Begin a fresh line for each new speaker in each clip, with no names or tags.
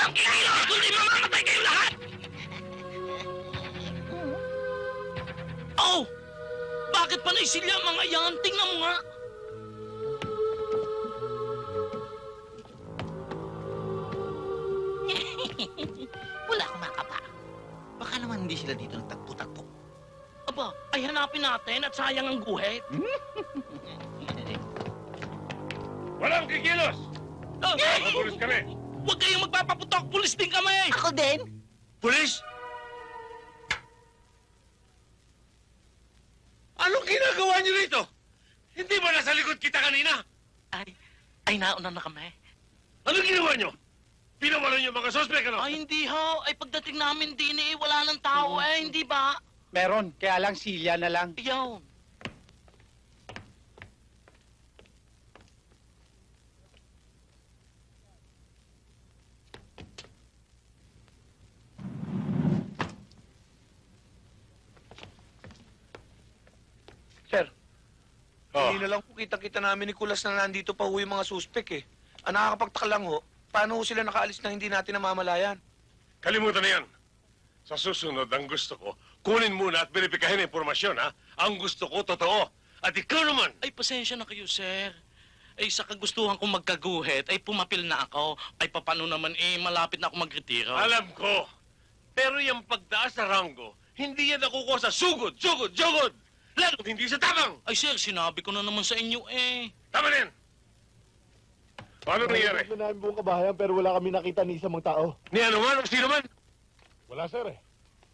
walang kilos, kundi mamamatay kayo lahat! Oh! Bakit panay sila mga yan? Tingnan mo nga!
Wala akong nakapa. Baka naman hindi sila dito nagtagpo-tagpo.
Aba, ay hanapin natin at sayang ang guhit.
Walang kikilos! Mga pulis kami!
Huwag kayong magpapaputok! Pulis din kami!
Ako din?
Pulis? Anong ginagawa niyo rito? Hindi ba nasa likod kita kanina?
Ay nauna na kami.
Anong ginawa niyo? Pinawala niyo mga sospek, ano?
Ay, hindi ho. Ay, pagdating namin din wala ng tao hindi ba?
Meron, kaya lang silya na lang.
Ayaw.
Sir,
Oh.
hindi na lang po kita-kita namin ni Kulas na nandito pa ho yung mga suspek eh. Ang nakakapagtaka lang ho, paano ho sila nakaalis na hindi natin namamalayan?
Kalimutan na yan. Sa susunod, ang gusto ko, kunin muna at verifikahin ang impormasyon, ha? Ang gusto ko, totoo. At ikaw naman,
Ay, pasensya na kayo, sir. Ay, sa kagustuhan kong magkaguhit, ay pumapil na ako. Ay, papano naman malapit na ako magretiro.
alam ko. Pero yung pagtaas sa ranggo, hindi yan nakukuha sa sugod, sugod! Lalo hindi sa tabang!
Ay, sir, sinabi ko na naman sa inyo
Tama na yan! Paano nangyari?
Ito namin buong kabahayan pero wala kami nakita ni isang mga tao.
Ni ano man o sino man?
Wala, sir eh.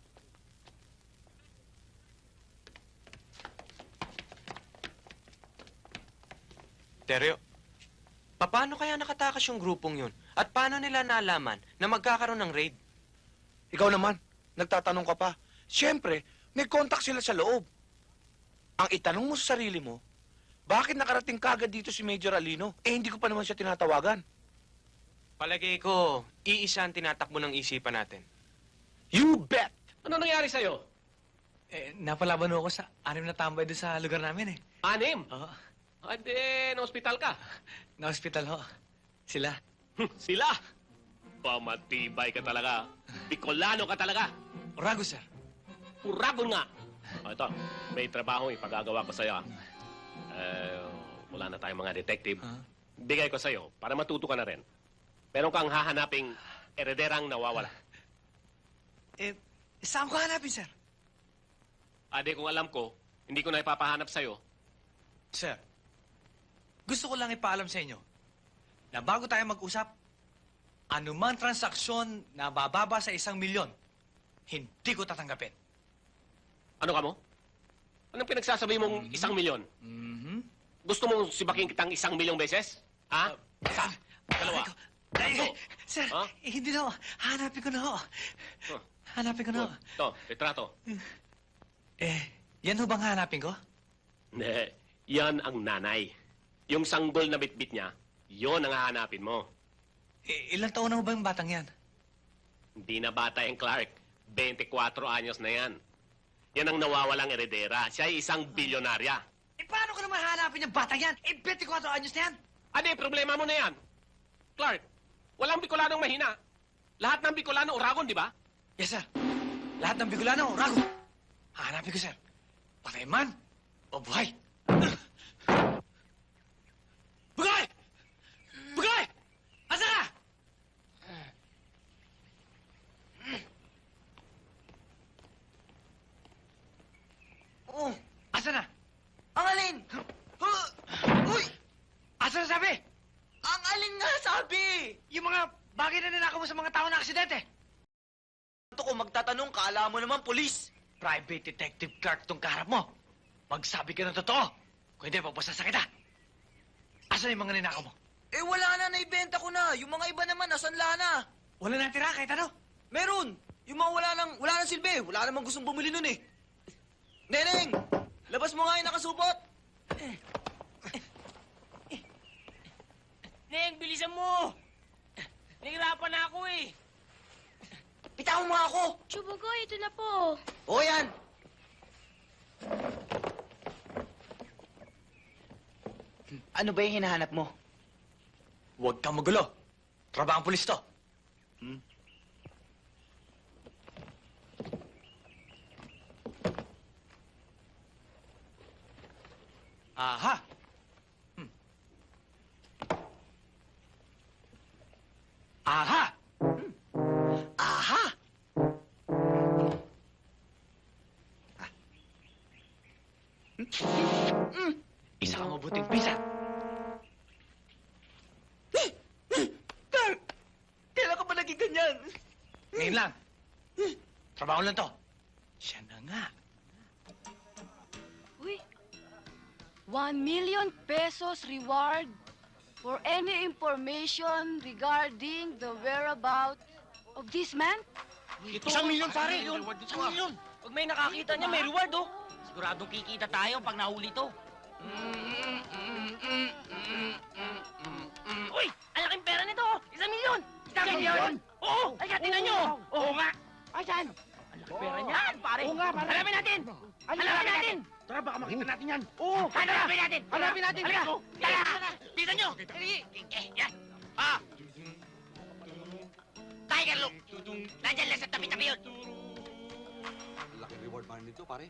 Teryo, paano kaya nakatakas yung grupong yun? At paano nila nalaman na magkakaroon ng raid?
Ikaw naman, nagtatanong ka pa. Siyempre, may contact sila sa loob. Ang itanong mo sa sarili mo, bakit nakarating kagad dito si Major Alino? Eh, hindi ko pa naman siya tinatawagan.
Palagay ko, iisa ang tinatakbo ng isipan natin.
You bet!
Ano nangyari sa'yo?
Napalaban ako sa 6 na tambay doon sa lugar namin eh.
6?
Oo.
Hindi, na-hospital ka.
Na-hospital ho. Sila.
Sila! Pamatibay ka talaga. Bicolano ka talaga.
Orago, sir.
Uragon nga. O, ito, may trabaho ipagagawa ko sa'yo. Wala na tayong mga detective.
Huh?
Bigay ko sa'yo para matuto ka na rin. Meron kang hahanaping erederang nawawala.
Saan ko hanapin, sir?
Ade, kung alam ko, hindi ko na ipapahanap sa'yo.
Sir, gusto ko lang ipaalam sa inyo na bago tayo mag-usap, anumang transaksyon na bababa sa 1 milyon, hindi ko tatanggapin.
Ano ka mo? Anong pinagsasabi mong 1 milyon?
Mm-hmm.
Gusto mong sibaking kitang 1 milyong beses? Ha? Isa? Dalawa?
Sir,
Ha?
hindi na ho. Hanapin ko na ho.
Huh.
Hanapin ko na ho.
Ito, retrato.
Yan ho bang hanapin ko?
Hindi. Yan ang nanay. Yung sanggol na bitbit niya, yon ang hahanapin mo.
Ilang taon na ho ba yung batang yan?
Hindi na bata yung Clark. 24 anyos na yan. Yan ang nawawalang eredera. Siya ay isang bilyonarya.
Paano ko naman hanapin yung batang yan? 24 anyos na yan.
Ano problema mo na yan? Clark, walang Bicolanong mahina. Lahat ng Bicolano uragon, di ba?
Yes, sir. Lahat ng Bicolano, Rago. Hahanapin ko, sir. Patay man o buhay. Bugay! Bugay! Asa ka?
Oo,
Asa na?
ang alin?
Uy! Asa na sabi?
Ang alin nga sabi?
Yung mga bagay na ninakaw mo sa mga tao na aksidente.
Ito ko magtatanong, kaala mo naman pulis.
Private Detective Clark tong kaharap mo. Magsabi ka ng totoo. Kung hindi, papasasa kita. Asa yung mga ninakaw mo?
Eh wala na, naibenta ko na. Yung mga iba naman, nasanla na.
Wala na tira kahit ano.
Meron. Yung mga wala nang silbi. Wala namang gustong bumili nun eh. Neneng! Labas mo nga yung nakasupot.
Neng, bilisan mo! Nahirapan na ako
Bitawan mo nga ako.
Chubugoy, ito na po.
O yan. Ano ba yung hinahanap mo?
Huwag kang magulo. Trabahang pulis to. Aha! Aha!
Aha!
Isa kang mabuting pisa.
Carl! Kailan ka ba naging ganyan?
Ngayon lang. Trabaho lang to. Siya na nga.
Uy, 1 million pesos reward for any information regarding the whereabouts of this man?
1 milyon, pare! 1 milyon!
Pag may nakakita niya, may reward, oh. Siguradong kikita tayo pag nahuli to. Uy! Ang laking pera nito! 1 milyon! 1 milyon! Oo! Ay, tingnan nyo! Oo nga!
Ayan!
Ang laking pera niyan, pare!
Oo nga, pare.
Hanapin natin! Hanapin natin!
Tara, baka makita natin yan. Oo!
Hanapin natin!
Hanapin natin!
Halika!
Oo.
Tara! Tingnan nyo! Yan! Ah! Tiger look! Nandyan lang sa tabi-tabi yun!
Laki reward man nito, pare.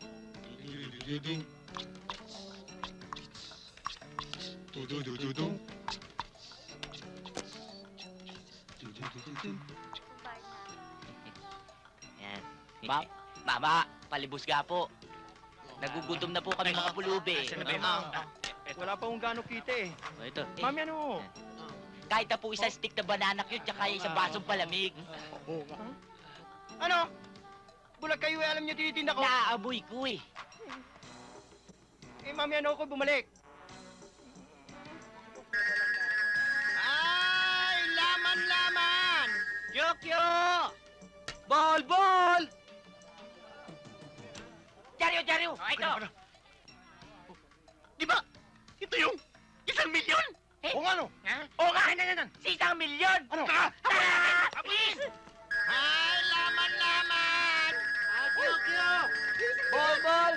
Yan. Mama, palibos ga po. Nagugutom na po kami mga pulubi.
Wala pa kung gaano kita eh.
Oh, ito.
Mami, ano?
Kahit na po isang stick na banana cute, tsaka isang basong palamig.
Ano? Bulag kayo eh, alam niyo tinitinda ko.
Naaboy ko eh.
Eh, mami, ano ako bumalik? Ay, laman!
Kyokyo! Ball! Jaryo! Ito!
Di ba? Ito yung 1 milyon?
Eh?
O nga no?
Oo nga! Ano? Si 1 milyon!
Ano?
Please!
Ay, laman!
Kyokyo!
Ball!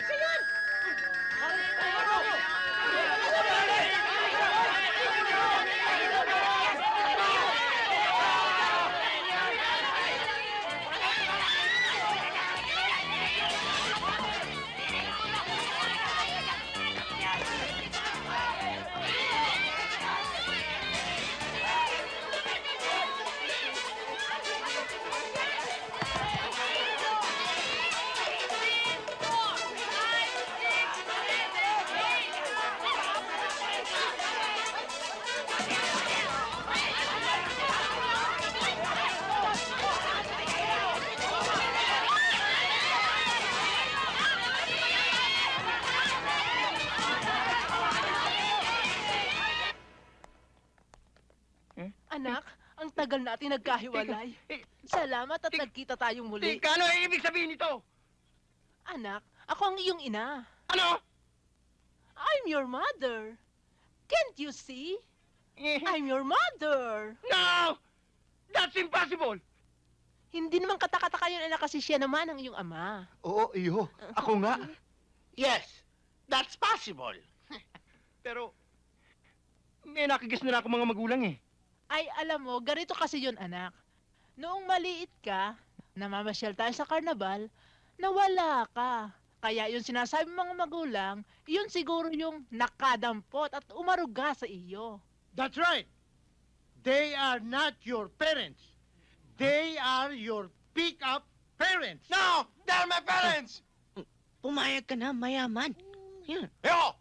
Anak, ang tagal natin nagkahiwalay. Salamat at nagkita tayong muli.
Teka, ano ibig sabihin nito?
Anak, ako ang iyong ina.
Ano?
I'm your mother. Can't you see?
Eh,
I'm your mother.
No! That's impossible!
Hindi naman katakataka yun, anak, kasi siya naman ang iyong ama.
Oo, iyo. Ako nga.
Yes, that's possible. Pero, may nakikis na ako mga magulang eh.
Ay, alam mo, ganito kasi yun, anak. Noong maliit ka, namamasyal tayo sa karnabal, nawala ka. Kaya yung sinasabi ng mga magulang, yun siguro yung nakadampot at umaruga sa iyo.
That's right. They are not your parents. They are your pick-up parents.
No! They're my parents!
Pumayag ka na, mayaman. Yan.
Ayoko!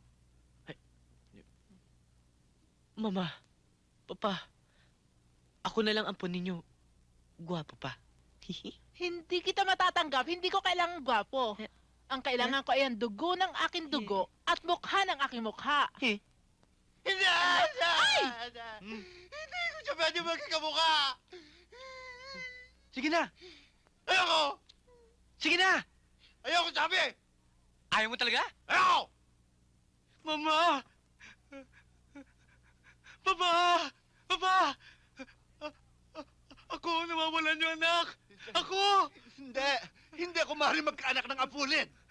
Mama, Papa, ako na lang ampon ninyo. Gwapo pa.
Hindi kita matatanggap, hindi ko kailangan gwapo. Ang kailangan ko ay ang dugo ng aking dugo at mukha ng aking mukha.
Hindi! Hindi ko siya pwede magkakamukha!
Sige na!
Ayoko!
Sige na!
Ayoko sabi!
Ayaw mo talaga?
Ayoko!
Mama! Papa! Ako, nawawalan yung anak! Ako!
Hindi ako maaaring magkaanak ng apulin.